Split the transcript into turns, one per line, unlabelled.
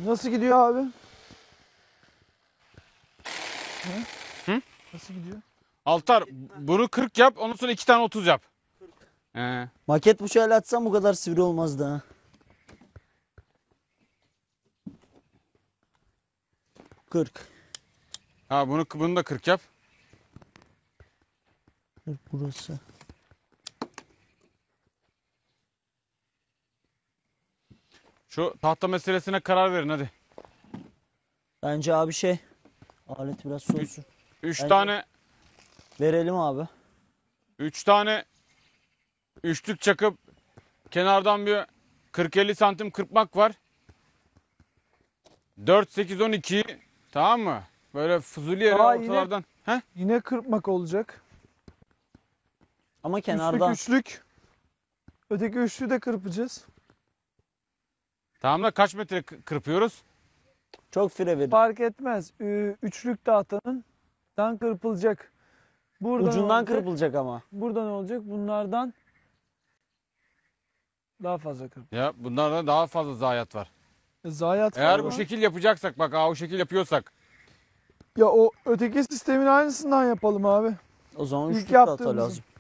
Nasıl gidiyor abi?
Hı?
Nasıl gidiyor?
Altar bunu 40 yap, ondan sonra 2 tane 30 yap.
Maket bıçağıyla atsam bu kadar sivri olmazdı ha. Kırk.
Ha bunu da 40 yap.
Burası.
Şu tahta meselesine karar verin hadi.
Bence abi şey. Alet biraz soğusun.
3
Bence-
tane
Verelim abi.
3 tane üçlük çakıp kenardan bir 40-50 santim kırpmak var. 4 8 12 tamam mı? Böyle fuzuli yere
Aa, yine-
ortalardan. He?
Yine kırpmak olacak.
Ama kenardan.
Üçlük. Öteki üçlüyü de kırpacağız.
Tamam da kaç metre kırpıyoruz?
Çok fire verin.
Fark etmez. Üçlük tahtanın kırpılacak. Buradan
Ucundan
olacak.
kırpılacak ama.
Buradan olacak. Bunlardan daha fazla kırp.
Ya bunlarda daha fazla zayiat var.
Zayiat
Eğer
var
bu
mı?
şekil yapacaksak bak o şekil yapıyorsak.
Ya o öteki sistemin aynısından yapalım abi.
O zaman
İlk
üçlük tahta
yaptığımızın.
lazım.